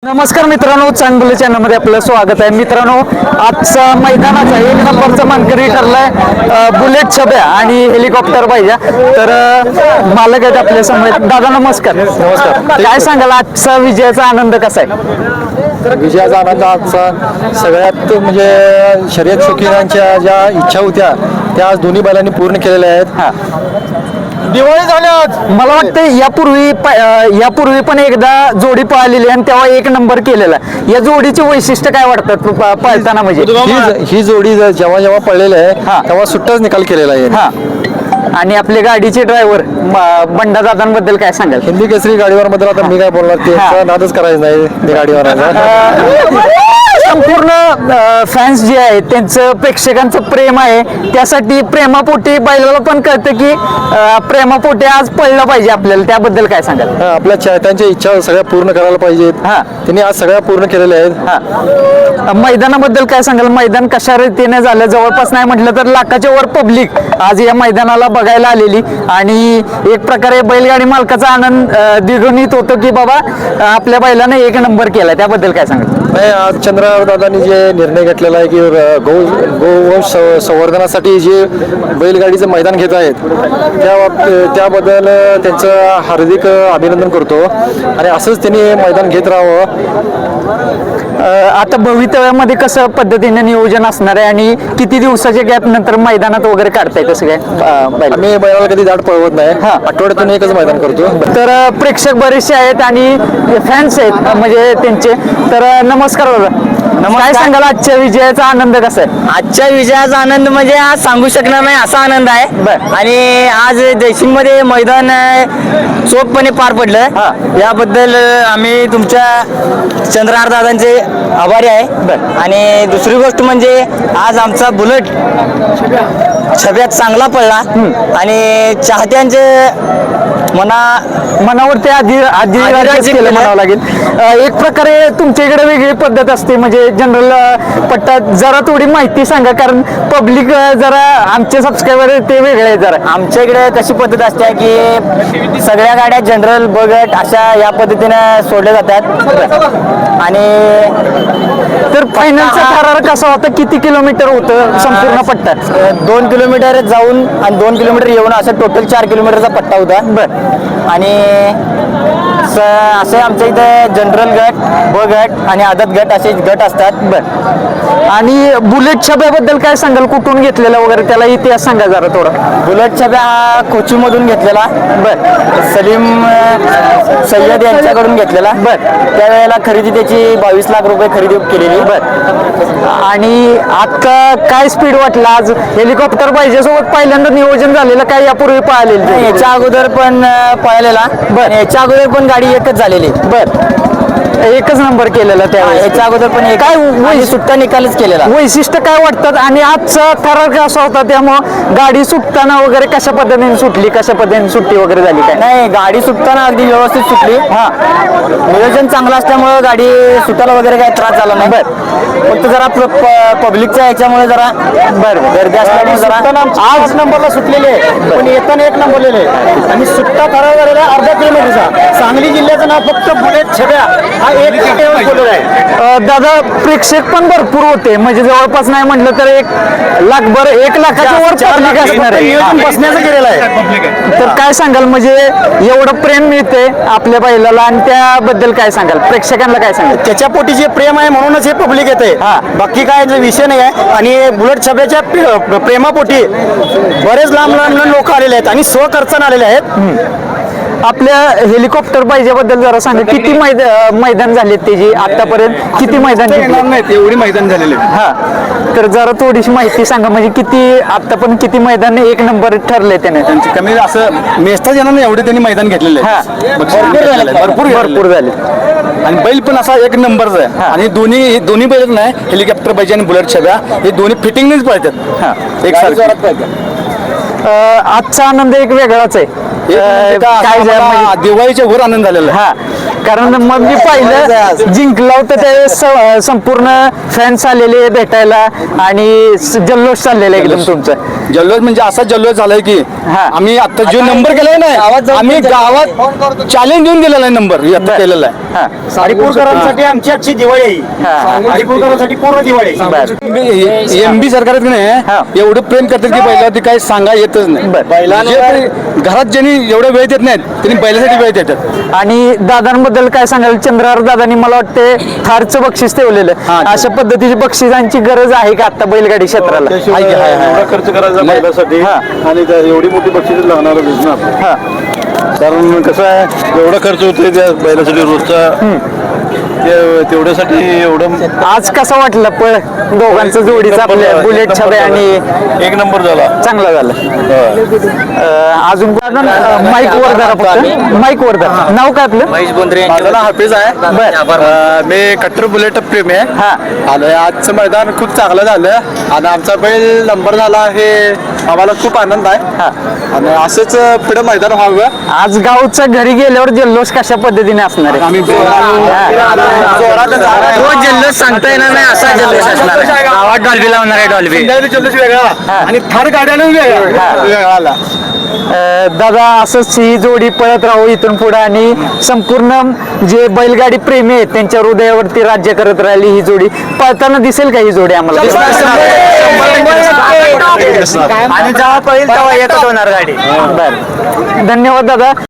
नमस्कार मित्रांनो, चांगलं चॅनलमध्ये आपलं स्वागत आहे. मित्रांनो, आजचा मैदानाचा एक नंबरचा मानकरी ठरलाय बुलेट छब्या आणि हेलिकॉप्टर पाहिजे. तर मालक आहेत आपल्या समोर. दादा नमस्कार. नमस्कार. काय सांगाल आजचा विजयाचा आनंद कसा आहे? तर विजयाचा आनंद आजचा सगळ्यात म्हणजे शर्यत शौकीनांच्या ज्या इच्छा होत्या त्या आज दोन्ही बैलांनी पूर्ण केलेल्या आहेत. हा, दिवाळी झाली आज. मला वाटतं यापूर्वी पण एकदा जोडी पळालेली आणि तेव्हा एक नंबर केलेला. या जोडीचे वैशिष्ट्य काय वाटतात पळताना? म्हणजे ही जोडी जेव्हा जेव्हा पडलेली हा. आहे तेव्हा सुट्टाच निकाल केलेला आहे. हा, आणि आपले गाडीचे ड्रायव्हर बंडा दादांबद्दल काय सांगाल? हिंदी केसरी गाडीवर बद्दल आता मी काय बोलणार, ते नादच करायचं नाही ते गाडीवर. संपूर्ण फॅन्स जे आहेत त्यांचं प्रेक्षकांचं प्रेम आहे, त्यासाठी प्रेमापोटी बैलाला पण कळतं की प्रेमापोटी आज पळलं पाहिजे आपल्याला. त्याबद्दल काय सांगाल? आपल्या चाहत्यांच्या इच्छा सगळ्या पूर्ण करायला पाहिजेत. हा. त्यांनी आज सगळ्या पूर्ण केलेल्या आहेत. मैदानाबद्दल काय सांगाल? मैदान कशा रीतीने झालं? जवळपास नाही म्हटलं तर लाखाच्या वर पब्लिक आज या मैदानाला बघायला आलेली आणि एक प्रकारे बैलगाडी मालकाचा आनंद द्विगुणित होतो की बाबा आपल्या बैलाने एक नंबर केला. त्याबद्दल काय सांगाल? नाही, आज चंद्रदादांनी जे निर्णय घेतलेला आहे की गोवंश संवर्धनासाठी जे बैलगाडीचं मैदान घेत आहेत त्याबद्दल त्यांचं हार्दिक अभिनंदन करतो आणि असंच त्यांनी मैदान घेत राहावं. आता भवितव्यामध्ये कसं पद्धतीने नियोजन असणार आहे आणि किती दिवसाच्या गॅप नंतर मैदानात वगैरे काढताय कसं काय? आम्ही बैलाला कधी दाट पळवत नाही. आठवड्यातून एकच मैदान करतो. तर प्रेक्षक बरेचसे आहेत आणि फॅन्स आहेत म्हणजे त्यांचे. तर नमस्कार बाबा, काय सांगाल आजच्या विजयाचा आनंद कसा आहे? आजच्या विजयाचा आनंद म्हणजे आज सांगू शकणार नाही असा आनंद आहे. बर. आणि आज जयसिंग मध्ये मैदान चोखपणे पार पडलं. याबद्दल आम्ही तुमच्या चंद्रहार दादांचे आभारी आहे. आणि दुसरी गोष्ट म्हणजे आज आमचा बुलेट छब्यात चांगला पडला आणि चाहत्यांचे मनावरती आधी केलं म्हणावं लागेल. एक प्रकारे तुमच्या इकडे वेगळी पद्धत असते म्हणजे जनरल पट्टा. जरा थोडी माहिती सांगा, कारण पब्लिक जरा आमचे सबस्क्रायबर ते वेगळे आहेत. जरा आमच्या इकडे कशी पद्धत असते की सगळ्या गाड्या जनरल बगट अशा या पद्धतीने सोडल्या जातात. आणि तर फायनलचा थरार कसा होता? किती किलोमीटर होतं संपूर्ण पट्टा? 2 किलोमीटर जाऊन आणि 2 किलोमीटर येऊन असं टोटल 4 किलोमीटरचा पट्टा होता. आणि असे आमच्या इथे जनरल गट, ब गट आणि आदत गट असे गट असतात. आणि बुलेट छब्याबद्दल काय सांगाल? कुठून घेतलेला वगैरे त्याला इतिहास सांगा जरा थोडा. बुलेट छब्या हा कोचीमधून घेतलेला. सलीम सय्यद यांच्याकडून घेतलेला. त्यावेळेला खरेदी त्याची 22 लाख रुपये खरेदी केलेली. आणि आता काय स्पीड वाटला? आज हेलिकॉप्टर पाहिजे सोबत पहिल्यांदा नियोजन झालेलं काय यापूर्वी पाहिलेलं? याच्या अगोदर पण पळालेला. याच्या अगोदर पण गाडी एकच झालेली. एकच नंबर केलेला त्यावेळेस. याच्या अगोदर पण काय सुट्टा निकालच केलेला. वैशिष्ट्य काय वाटतात? आणि आजचा थरार कसा होता? त्यामुळं गाडी सुटताना वगैरे कशा पद्धतीने सुटली, कशा पद्धतीने सुट्टी वगैरे झाली काय? नाही, गाडी सुटताना अगदी व्यवस्थित सुटली. नियोजन चांगलं असल्यामुळे गाडी सुटायला वगैरे काही त्रास झाला नाही. फक्त जरा पब्लिकच्या याच्यामुळे जरा गर्दी असल्यामुळे जरा आज नंबरला सुटलेले आहे पण येताना एक नंबर लिहिले आणि सुट्टा थरार झालेला अर्धा किलोमीटरचा. सांगली जिल्ह्याचं नाव फक्त बुलेट छब्या हा एक आहे. दादा, प्रेक्षक पण भरपूर होते म्हणजे जवळपास नाही म्हटलं तर 1 लाखाच्या वर पब्लिक असणार आहे. बसण्याचं केलेलं आहे. तर काय सांगाल म्हणजे एवढं प्रेम मिळते आपल्या बैलाला आणि त्याबद्दल काय सांगाल? प्रेक्षकांना काय सांगाल? त्याच्या पोटी जे प्रेम आहे म्हणूनच हे पब्लिक येते. बाकी काय विषय नाही आहे. आणि बुलेट छब्याच्या प्रेमापोटी बरेच लांब लोक आलेले आहेत आणि स्वखर्चाने आलेले आहेत. आपल्या हेलिकॉप्टर पाहिजेबद्दल जरा सांगा. किती मैदान झालेत त्याची आतापर्यंत? किती मैदान? एवढी मैदान झालेले. तर जरा थोडीशी माहिती सांगा म्हणजे किती आतापर्यंत किती मैदान एक नंबर ठरले त्याने? कमी असं मेस्ता जणांना एवढे त्यांनी मैदान घेतलेले भरपूर झाले. आणि बैल पण असा एक नंबरचा आहे. आणि दोन्ही बैल नाही, हेलिकॉप्टर पाहिजे आणि बुलेट छब्या हे दोन्ही फिटिंगनेच पाहिजेत. एक आजचा आनंद एक वेगळाच आहे. दिवाळीच्या वर आनंद झालेला. कारण मग मी पाहिलं जिंकलं होतं त्यावेळेस संपूर्ण फॅन्स आलेले भेटायला आणि जल्लोष चाललेला एकदम तुमचा. जल्लोष म्हणजे असा जल्लोष झालाय की हा. आम्ही आता जो नंबर केलाय ना आम्ही गावात चॅलेंज देऊन दिलेला आहे नंबर आता केलेला आहे. हा. हरिपूरकरांसाठी आमची आजची दिवाळी आहे. हा. हरिपूरकरांसाठी पूर्ण दिवाळी आहे. बर. एमबी सरकार हा. नाही एवढं प्रेम करतात की बैला ते काही सांगा येतच नाही. जे घरात ज्यांनी एवढं वेळ देत नाहीत त्यांनी बैलासाठी वेळ देतात. आणि दादांबद्दल काय सांगाल? चंद्रहार दादांनी मला वाटते थारचं बक्षीस ठेवलेलं. हा. अशा पद्धतीची बक्षिसांची गरज आहे का आता बैलगाडी क्षेत्राला? एवढा खर्च करायचा बैलासाठी हा. आणि एवढी मोठी बक्षीस लागणार बिझनेस. हा. कारण कसं आहे एवढा खर्च होतोय त्या बैलासाठी रोजचा तेवढ्यासाठी एवढं आज कसं वाटलं पळ दोघांचं जोडीचं आपल्या बुलेट छबे आणि एक नंबर झाला. चांगला झालं. अजून माईक वर धरा फक्त माईक वर धरा. नाव काय आपलं? महेश बोंद्रे माझं नाव हाफिज आहे. मी कट्टर बुलेट प्रेमी आहे. हा. आणि आजचं मैदान खूप चांगलं झालं आणि आमचा बैल नंबर झाला हे आम्हाला खूप आनंद आहे. आणि असंच पुढे मैदान व्हावं. आज गावच्या घरी गेल्यावर जल्लोष कशा पद्धतीने असणार आहे? आम्ही तो जल्लोष सांगता येणार नाही असा जल्लोष असणार आहे. गावात डॉल्बी लावणार आहे डॉल्बी. जल्लोष वेगळा आणि थार गाड्यानं वेगळा आला. दादा असंच ही जोडी पळत राहू इथून पुढे आणि संपूर्ण जे बैलगाडी प्रेमी आहेत त्यांच्या हृदयावरती राज्य करत राहिली ही जोडी. पळताना दिसेल का ही जोडी आम्हाला? आणि जेव्हा पळेल तेव्हा येतच होणार गाडी. बरं. धन्यवाद दादा.